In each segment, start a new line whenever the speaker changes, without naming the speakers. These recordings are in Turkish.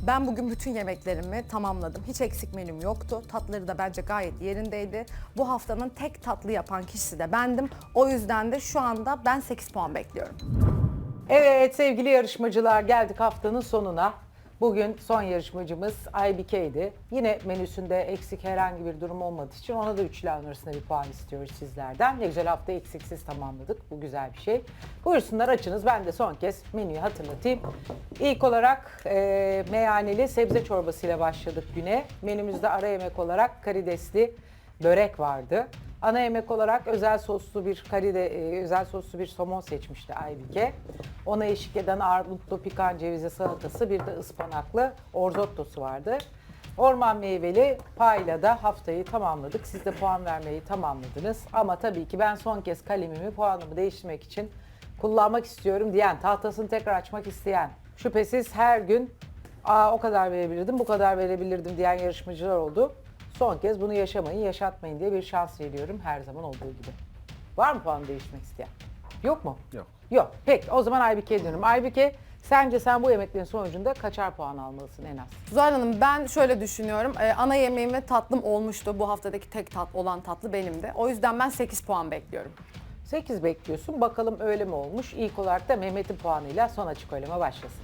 Ben bugün bütün yemeklerimi tamamladım. Hiç eksik menüm yoktu. Tatları da bence gayet yerindeydi. Bu haftanın tek tatlı yapan kişisi de bendim. O yüzden de şu anda ben 8 puan bekliyorum.
Evet sevgili yarışmacılar, geldik haftanın sonuna. Bugün son yarışmacımız Aybike'ydi. Yine menüsünde eksik herhangi bir durum olmadığı için ona da üçler arasında bir puan istiyoruz sizlerden. Ne güzel, hafta eksiksiz tamamladık. Bu güzel bir şey. Buyursunlar, açınız. Ben de son kez menüyü hatırlatayım. İlk olarak meyaneli sebze çorbasıyla başladık güne. Menümüzde ara yemek olarak karidesli börek vardı. Ana yemek olarak özel soslu bir somon seçmişti Aybike. Ona eşlik eden armutlu pikan cevizi salatası, bir de ıspanaklı orzottosu vardı. Orman meyveli payla da haftayı tamamladık. Siz de puan vermeyi tamamladınız. Ama tabii ki ben son kez kalemimi, puanımı değiştirmek için kullanmak istiyorum diyen, tahtasını tekrar açmak isteyen, şüphesiz her gün o kadar verebilirdim, bu kadar verebilirdim diyen yarışmacılar oldu. Son kez bunu yaşamayın, yaşatmayın diye bir şans veriyorum her zaman olduğu gibi. Var mı puan değiştirmek isteyen? Yok mu?
Yok.
Yok. Peki o zaman Aybike'ye dönüyorum. Aybike, sence sen bu yemeklerin sonucunda kaçar puan almalısın en az?
Zuhal Hanım, ben şöyle düşünüyorum. Ana yemeğim ve tatlım olmuştu. Bu haftadaki tek olan tatlı benimdi. O yüzden ben 8 puan bekliyorum.
8 bekliyorsun. Bakalım öyle mi olmuş? İlk olarak da Mehmet'in puanıyla son açık oylama başlasın.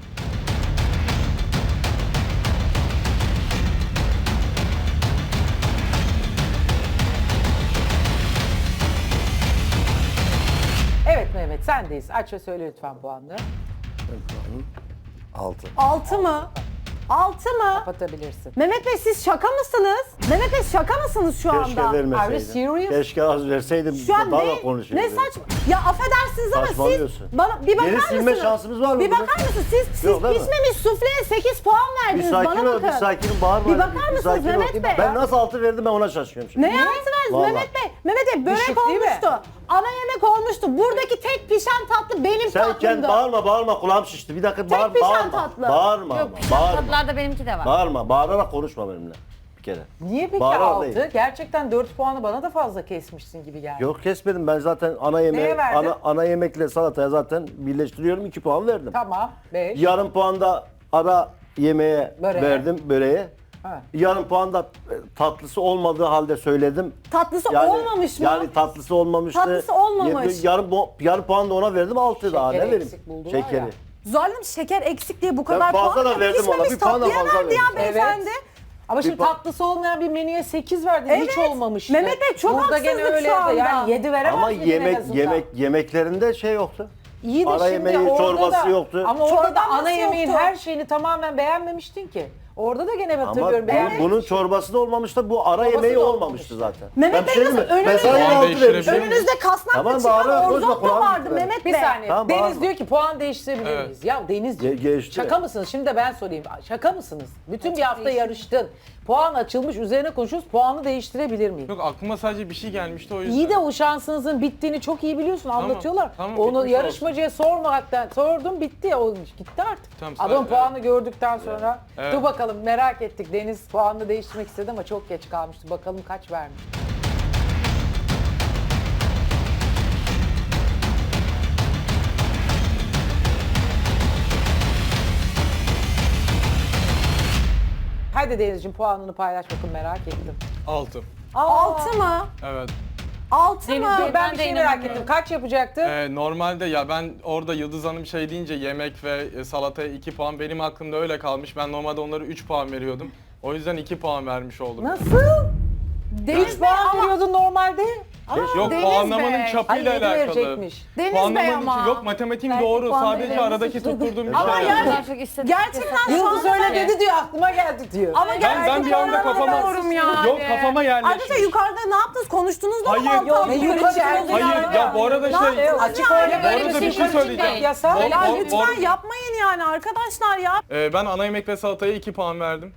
Evet Mehmet, sendeyiz. Aç ve söyle lütfen puanını.
6.
6 mı? 6 mı?
Kapatabilirsin.
Mehmet Bey, siz şaka mısınız? Mehmet Bey, şaka mısınız şu
Keşke
anda?
Are you
vermeseydim.
serious?
Keşke az verseydim.
Şu an
daha
ne?
da konuşurdum.
Ne saçma? Ya affedersiniz ama siz
Saçmalıyorsun.
bana bir bakar
Geri
mısınız?
silme şansımız var mı
Bir
burada?
bakar mısınız? Siz
Yok, değil mi?
pişmemiş sufleye 8 puan
Bir
verdiniz.
sakin
Bana
ol,
bakın.
bir sakin ol. Bağırma.
Bir
hadi,
bakar mısınız
sakin ol.
Mehmet Bey?
Ben nasıl 6 verdim, ben ona şaşırıyorum şimdi.
Ne yaptınız
Vallahi.
Mehmet Bey? Mehmet Bey, börek
Düşük değil mi?
olmuştu. Ana yemek olmuştu. Buradaki tek pişen tatlı benim
Sen
tatlımdı.
bağırma, kulağım şişti. Bir dakika
Tek pişen tatlı.
Bağırma
Yok,
ama, bağırma.
tatlılarda benimki de var.
Bağırarak konuşma benimle bir kere.
Niye peki
Bağırarak
6?
değil.
Gerçekten 4 puanı bana da fazla kesmişsin gibi geldi.
Yok, kesmedim, ben zaten ana
Neye
yemeğe,
verdin?
ana yemekle salataya zaten birleştiriyorum, 2 puan verdim.
Tamam, 5.
Yarım puan da ara yemeğe
Böreğe.
verdim, böreğe.
Evet.
Yarım puan da tatlısı olmadığı halde söyledim.
Tatlısı
Yani,
olmamış mı?
Yani tatlısı olmamıştı.
Tatlısı olmamış.
Yarım puan da ona verdim, 6 daha ne
Şekeri
vereyim?
eksik buldular
Şekeri.
ya.
Zuhal Hanım, şeker eksik diye bu
Ben
kadar
fazla
puan
da
yok.
verdim ona,
Pişmemiş
bir puan da
tatlıya
fazla
verdi ya
verdim.
beyefendi.
Ama şimdi
Bir pa-
tatlısı olmayan bir menüye 8 verdin.
Evet.
Hiç olmamıştı.
Mehmet Bey, çok
Burada gene
haksızlık
öyle
şu anda.
Yani 7 veremez
Ama
miydin en azından?
yemeklerinde şey yoktu.
İyi de
Ara
şimdi
yemeği,
orada
çorbası
da,
yoktu.
Ama orada da
Çorbası
ana yemeğin
yoktu.
her şeyini tamamen beğenmemiştin ki. Orada da gene
Ama
hatırlıyorum beğenmemiştin.
bunun çorbası da olmamıştı, bu ara
Çorbası
yemeği
da
olmamıştı
olmamıştı.
zaten.
Mehmet
Ben bir
Bey,
şey
nasıl
diyeyim mi? Ben
önünüzde-
sadece
Puan
6
değiştirebilir
vermişim.
miyim?
Önünüzde kasnaklı
Tamam,
çıkan
bağırarak konuşma,
orzotto
kulağım
vardı
gitti.
Mehmet
Bir
Bey.
saniye.
Tamam,
Deniz
bağırma.
diyor ki puan değiştirebilir
Evet.
miyiz? Ya Denizciğim
Geçti.
şaka mısınız? Şimdi de ben sorayım. Şaka mısınız? Bütün bir hafta yarıştın. Puan açılmış, üzerine konuşuyoruz. Puanı değiştirebilir miyim?
Yok, aklıma sadece bir şey gelmişti o yüzden.
İyi de o şansınızın bittiğini çok iyi biliyorsun. Anlatıyorlar.
tamam,
Onu
bitmiş
yarışmacıya sormaktan sordum, bitti. O gitti artık.
Tamam,
Adam
evet.
puanı gördükten sonra
Evet.
dur bakalım, merak ettik. Deniz puanını değiştirmek istedi ama çok geç kalmıştı. Bakalım kaç vermiş. Hadi Denizciğim, puanını paylaş bakın, merak ettim.
6.
6 mı?
Evet.
6
Deniz
mı?
Bey,
Ben
ben
bir
de
şey merak
inanamıyorum.
ettim. Kaç yapacaktı?
Normalde ya ben orada Yıldız Hanım şey deyince yemek ve salataya 2 puan benim aklımda öyle kalmış. Ben normalde onlara 3 puan veriyordum. O yüzden 2 puan vermiş oldum.
Nasıl?
Deniz
3
Bey
puan
ama
veriyordun normalde.
Yok,
Deniz
puanlamanın
Bey.
çapıyla
Ay, yedi
alakalı.
verecekmiş.
Deniz
Puanlamanın
Bey ama.
yok, matematiğim
Belki
doğru.
puan
Sadece
veremezsin.
aradaki tutturduğum bir
Ama
şey.
yani-
Ben çok istedim.
Gerçekten şu
Yıldız
anda
öyle dedi diyor, aklıma geldi diyor.
Ama
Ben bir anda
gerçekten
kafama
anlamıyorum yani.
Yok, kafama yerleşmiş.
Arkadaşlar yukarıda ne yaptınız? Konuştunuz mu?
Hayır.
Balta
Yok,
altı
ne yukarı
konuştunuz
geldi?
mu?
Hayır ya, bu arada
Ne
şey.
yapıyorsunuz
Açık
yani?
öyle
Bu arada bir şey söyleyeceğim.
Yasak.
Bol-
Ya
bol-
lütfen
bol-
yapmayın yani arkadaşlar ya.
Ben ana yemek ve salataya 2 puan verdim.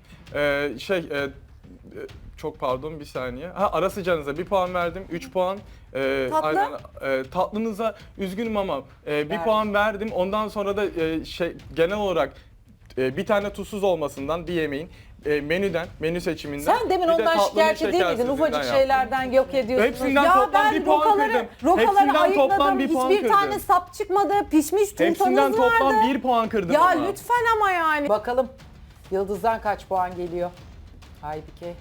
Çok pardon, bir saniye. Ara sıcağınıza 1 puan verdim, 3 puan.
Tatlı?
Aynen, tatlınıza üzgünüm ama 1 puan verdim. Ondan sonra da genel olarak bir tane tuzsuz olmasından bir yemeğin menü seçiminden.
Sen demin
bir de
ondan
tatlının
şikayetçi değil miydin?
şekersizliğinden
Ufacık
yaptım.
şeylerden yok ediyorsunuz.
Hepsinden
Ya
toplam
ben
1 puan kırdım.
rokaları
Hepsinden toplam
ayıkladım.
1 puan
Hiçbir
kırdım.
tane sap çıkmadı. Pişmiş
Hepsinden
turtanız vardı.
toplam 1 puan kırdım
Ya
ama.
lütfen ama yani.
Bakalım Yıldız'dan kaç puan geliyor? Aybike.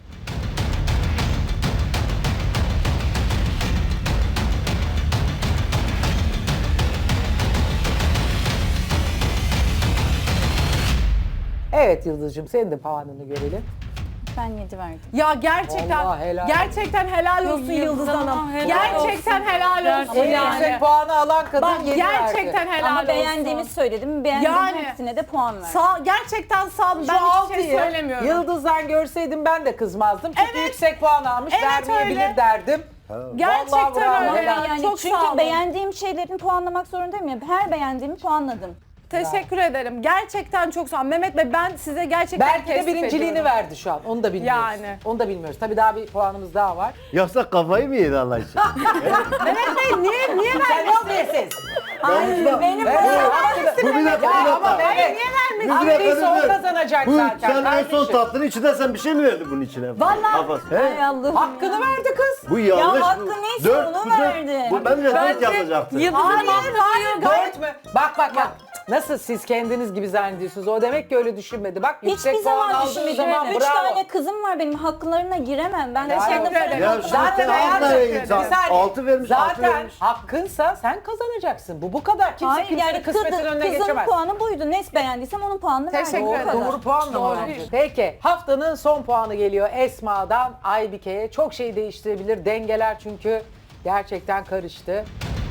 Evet Yıldız'cığım senin de puanını görelim.
Ben 7 verdim.
Ya gerçekten
Vallahi helal
gerçekten helal olsun Yıldız Hanım. Gerçekten helal olsun
En
yani.
yüksek puanı alan kadın
Bak
7
gerçekten
verdi.
helal
Ama
olsun.
beğendiğimi söyledim. Beğendiğim
Yani.
hepsine de puan verdim.
Gerçekten sağ olun.
Şu
Ben hiçbir şey
altıyı
söylemiyorum.
Yıldız'dan görseydim ben de kızmazdım. Çünkü
Evet.
yüksek puan almış
Evet,
vermeyebilir
öyle.
derdim. Vallahi
Gerçekten
bravo,
öyle.
helal.
Yani
Çok sağ
çünkü
olun.
beğendiğim şeylerin puanlamak zorundayım ya. Her beğendiğimi puanladım.
Teşekkür ederim. Gerçekten çok sağ olun. Mehmet Bey ben size gerçekten
Belki de
teessüf
birinciliğini
ediyorum.
verdi şu an. Onu da bilmiyoruz.
Yani.
Onu da bilmiyoruz. Tabii daha bir puanımız daha var.
Yoksa kafayı mı yedi Allah için?
Mehmet Bey niye
Sen ne oluyorsun?
Benim
Bu bir dakika, bir
Ya ama
dakika.
Mehmet.
Bu bir dakika,
Aldıysa o
dur.
kazanacak
Bu
zaten.
sen en son
kardeşim.
tatlının içinde sen bir şey mi verdin bunun içine? Vallahi.
Ay Allah'ım.
Hakkını verdi kız.
Bu yanlış.
hakkı
bu.
neyse
Dört,
onu
bu dört.
verdi.
Bu bence dört yazacaktı.
Dört mü? Bak. Nasıl siz kendiniz gibi zannediyorsunuz? O demek ki öyle düşünmedi. Bak yüksek
Hiçbir
puan
zaman
aldığı
düşünmedim.
zaman
3
bravo.
tane kızım var benim. Haklarına giremem. Ben de
Teşekkür
kendi
ederim.
paramı
Ya
aldım.
şu
Zaten
sen
hayatım,
altı
bir saniye.
altı vermiş, altı
Zaten
vermiş.
hakkınsa sen kazanacaksın. Bu kadar. Kimse
Hayır
kimsenin
yani
kısmetinin önüne
kızın
geçemez.
puanı buydu. Ne beğendiysem onun puanını verdim.
Teşekkür
O
ederim.
kadar.
Doğru puan mı
Doğru.
var? Peki haftanın son puanı geliyor Esma'dan Aybike'ye. Çok şey değiştirebilir. Dengeler çünkü gerçekten karıştı.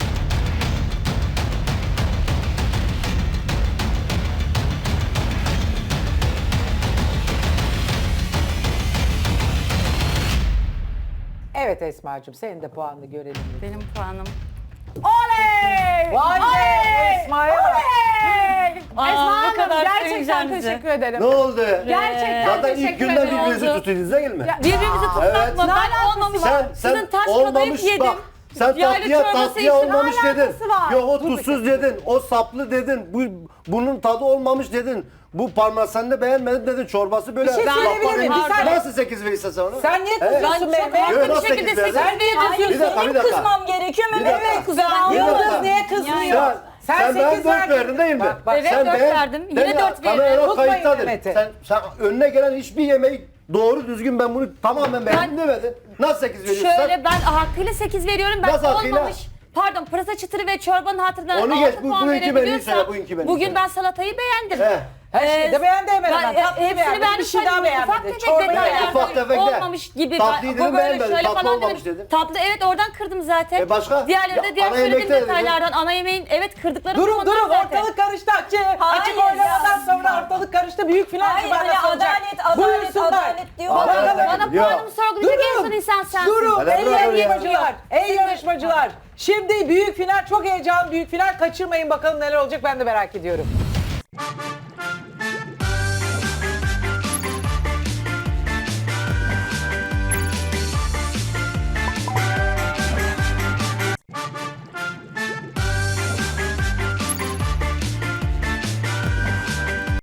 Evet Esma'cığım senin de puanını görelim.
Benim puanım.
Oley!
Vay be
Oley!
Esma'ya bak.
Oley!
Aa,
Esma
bu
Hanım
kadar
gerçekten
seveceğim bizi.
teşekkür ederim.
Ne oldu?
Gerçekten
Zaten ilk
teşekkür
günden
ederim.
birbirinizi
Oldu.
tutuyorsunuz değil mi?
Birbirimizi tutmak
Evet.
mı?
Ne
Ben
alakası
olmamış.
var?
Sizin taş kadayıf yedim.
Bak, sen
Yaylı
tatlıya
çorbası
tatlıya
içtim.
olmamış dedin.
alakası var?
Yok o tuzsuz dedin. O saplı dedin. Bunun tadı olmamış dedin. Bu parmesanını beğenmedin dedin. Çorbası böyle.
Bir şey
Bak
söyleyebilir
bakayım,
miyim? Bir saniye.
Nasıl 8 verirse sen onu?
Sen niye
Evet.
kızıyorsun
Ben çok
Mehmet?
Yok,
haklı
nasıl
bir şekilde
sekiz verdin?
sekiz veriyorum.
Hayır,
Bir dakika,
Benim
bir dakika.
kızmam gerekiyor
Bir
Mehmet
dakika.
Bey kızar.
Yıldız niye kızmıyor?
Sen ben
8
4 verdin değil mi?
Bak,
Evet,
sen
dört verdim. Yine dört veririm.
Tutmayın
kayıttadır.
Mehmet'i.
Sen önüne gelen hiçbir yemeği doğru düzgün ben bunu tamamen beğendim demedin. Nasıl 8 veriyorsun?
Şöyle ben hakkıyla 8 veriyorum. Ben
Nasıl hakkıyla?
olmamış. Pardon pırasa çıtırı ve çorbanın hatırına
Onu
6
geç,
puan
bugünkü menüyü
verebiliyorsam.
söyle, bugünkü menüyü
Bugün
söyle.
ben salatayı beğendim.
He.
Her şeyi de beğendi hemen
Ben
hemen. Tatlıyı
hepsini
beğendi.
beğendim.
Bir şey daha
Ufak
beğenmedi.
tefek
Çorbayı
detaylar.
beğendi.
Ufak tefek de.
Olmamış gibi.
Tatlıyı
Bu
dedim,
böyle
beğenmedin.
şöyle
Tatlı
falan
olmamış
dedim.
dedin.
Tatlı evet oradan kırdım zaten.
Başka?
Diğerleri de
Ya,
diğer
ana
söylediğim
yemekte de dedin.
detaylardan. Ana yemeğin evet kırdıklarım
Durun
onlar
durun
zaten.
ortalık karıştı.
Hayır
Açık oylamadan
ya.
sonra ortalık karıştı. Büyük final
Hayır,
cumartesi
hani
olacak.
adalet,
Buyursunlar.
adalet diyor.
Adalet.
Bana
Ya.
puanımı sorgulayacak en son insan sensin.
Durun
Hele
ey
bırak oraya.
yarışmacılar. Ey yarışmacılar. Şimdi büyük final çok heyecanlı büyük final. Kaçırmayın bakalım neler olacak ben de merak ediyorum.